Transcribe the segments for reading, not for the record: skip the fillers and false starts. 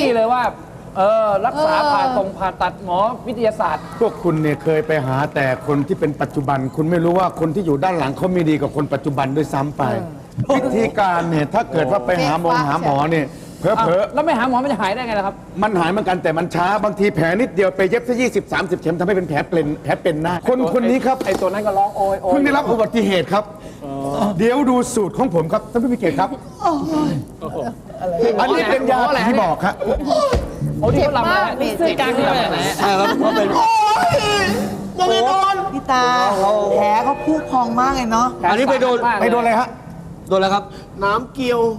เลยว่ารักษาผ่าตัดหมอวิทยาศาสตร์พวกคุณเนี่ยเคยไปหาแต่คนที่เป็นปัจจุบัน คุณไม่รู้ว่าคนที่อยู่ด้านหลังเขามีดีกว่าคนปัจจุบันด้วยซ้ำไป วิธีการเนี่ยถ้าเกิดว่าไปหาหมอเนี่ยเผลอแล้วไม่หาหมอมันจะหายได้ไงล่ะครับมันหายเหมือนกันแต่มันช้าบางทีแผลนิดเดียวไปเย็บซะ20-30 เข็มทำให้เป็นแผลเป็นหน้าคนนี้ครับไอ้ตัวนั้นก็ร้องโอยเพิ่งได้รับอุบัติเหตุครับเดี๋ยวดูสูตรของผมครับท่านผู้มีเกียรติครับอันนี้เป็นยาที่บอกครับโอ้ที่เขาลำนะนี่ซื้อกลางที่ไหนใช่ครับเขาเป็นโดนพี่ตาแผลเขาพุพองมากเลยเนาะอันนี้ไปโดนอะไรฮะโดนอะไรครับน้ำเกลียว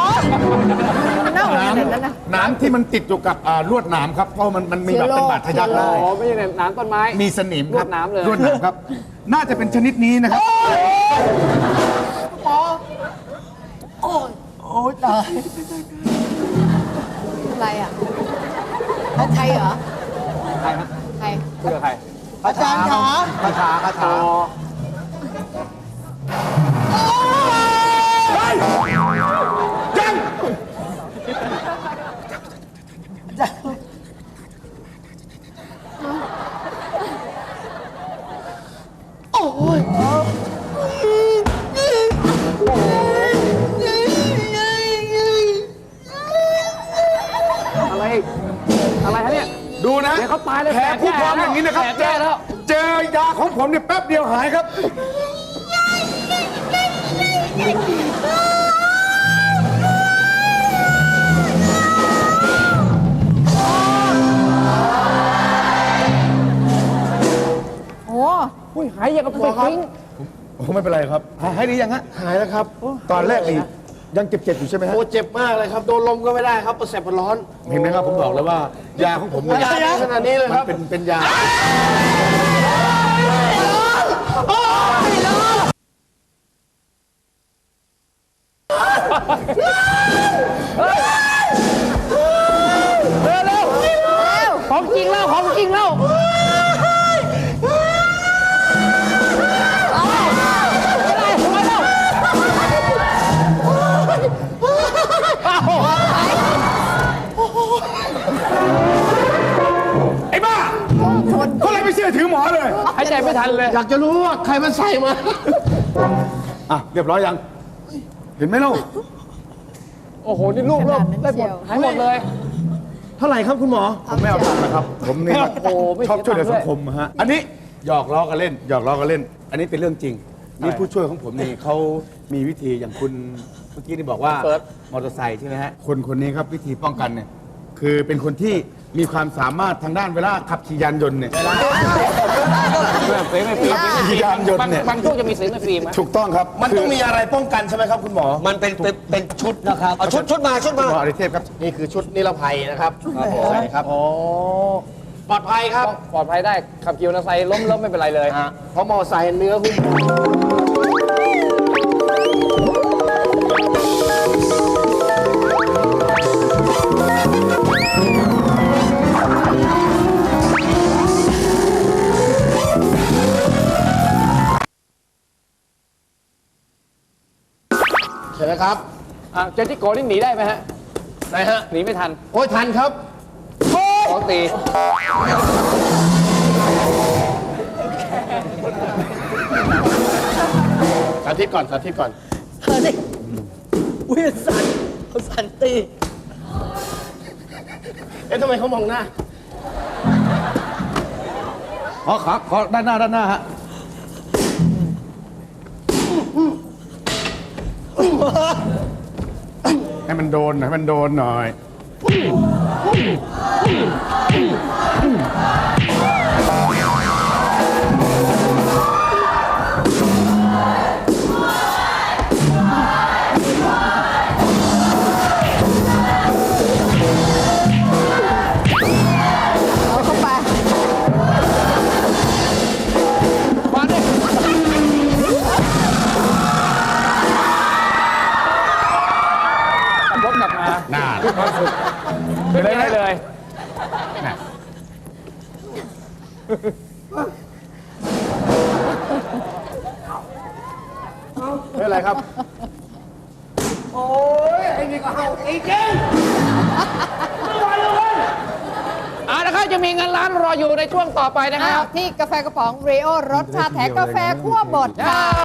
น้ำที่มันติดอยู่กับลวดหนามครับเพราะมันมีแบบเป็นบาดทะยักได้อ๋อไม่ใช่น้ำต้นไม้มีสนิมครับลวดหนามเลยลวดหนามครับน่าจะเป็นชนิดนี้นะครับโอ้ยตายอะไรอ่ะใครเหรอใครครับใครคุยกับใครอาจารย์ขาคาถาโอ้ยอะไรฮะเนี่ยดูนะเดี๋ยวเขาตายเลยแผลผู้พองอย่างนี้นะครับเจอยาของผมเนี่ยแป๊บเดียวหายครับหายอย่างกับไปทิ้งโอ้ไม่เป็นไรครับหายดียังฮะหายแล้วครับตอนแรกนี่ยังเจ็บอยู่ใช่ไหมฮะโอ้เจ็บมากเลยครับโดนลมก็ไม่ได้ครับประแสบร้อนเห็นไหมครับผมบอกแล้วว่ายาของผมยาขนาดนี้เลยครับเป็นยาเร็วของจริงแล้วไอ้บ้าเขาเลยไม่เชื่อถือหมอเลยหายใจไม่ทันเลยอยากจะรู้ว่าใครมันใส่มาเรียบร้อยยังเห็นไหมลูกโอ้โหนี่ลูกได้หมดหายหมดเลยเท่าไหร่ครับคุณหมอผมไม่เอาตังค์นะครับผมนี่ชอบช่วยเหลือสังคมฮะอันนี้หยอกล้อกันเล่นอันนี้เป็นเรื่องจริงนี่ผู้ช่วยของผมนี่เขามีวิธีอย่างคุณเมื่อกี้นี่บอกว่ามอเตอร์ไซค์ใช่ไหมฮะคนนี้ครับวิธีป้องกันเนี่ยคือเป็นคนที่มีความสามารถทางด้านเวลาขับขี่ยานยนต์เนี่ยเสียงไม่ฟิล์มขี่ยานยนต์เนี่ยบางช่วงจะมีเสียงไม่ฟิล์มถูกต้องครับมันต้องมีอะไรป้องกันใช่ไหมครับคุณหมอมันเป็นชุดนะครับชุดมาหมออริเทพครับนี่คือชุดนิรภัยนะครับใช่ครับปลอดภัยครับปลอดภัยได้ขับขี่มอเตอร์ไซค์ล้มไม่เป็นไรเลยเพราะมอเตอร์ไซค์เนื้อหุ้มใช่ไหมครับเจติโกนี่หนีได้ไหมฮะได้ฮะหนีไม่ทันโอ้ยทันครับของตีสาธิตก่อนอุ้ยสันตีทำไมเขามองหน้าขอด้านหน้าฮะให้มันโดนหน่อยขึ้นได้เลยไม่เป็นไรครับโอ้ยไอ้นี่ก็เห่าอีกจริงไม่ไหวแล้วนะครับจะมีเงินล้านรออยู่ในช่วงต่อไปนะครับที่กาแฟกระป๋องเรโอรสชาแท้กาแฟคั่วบดค่ะ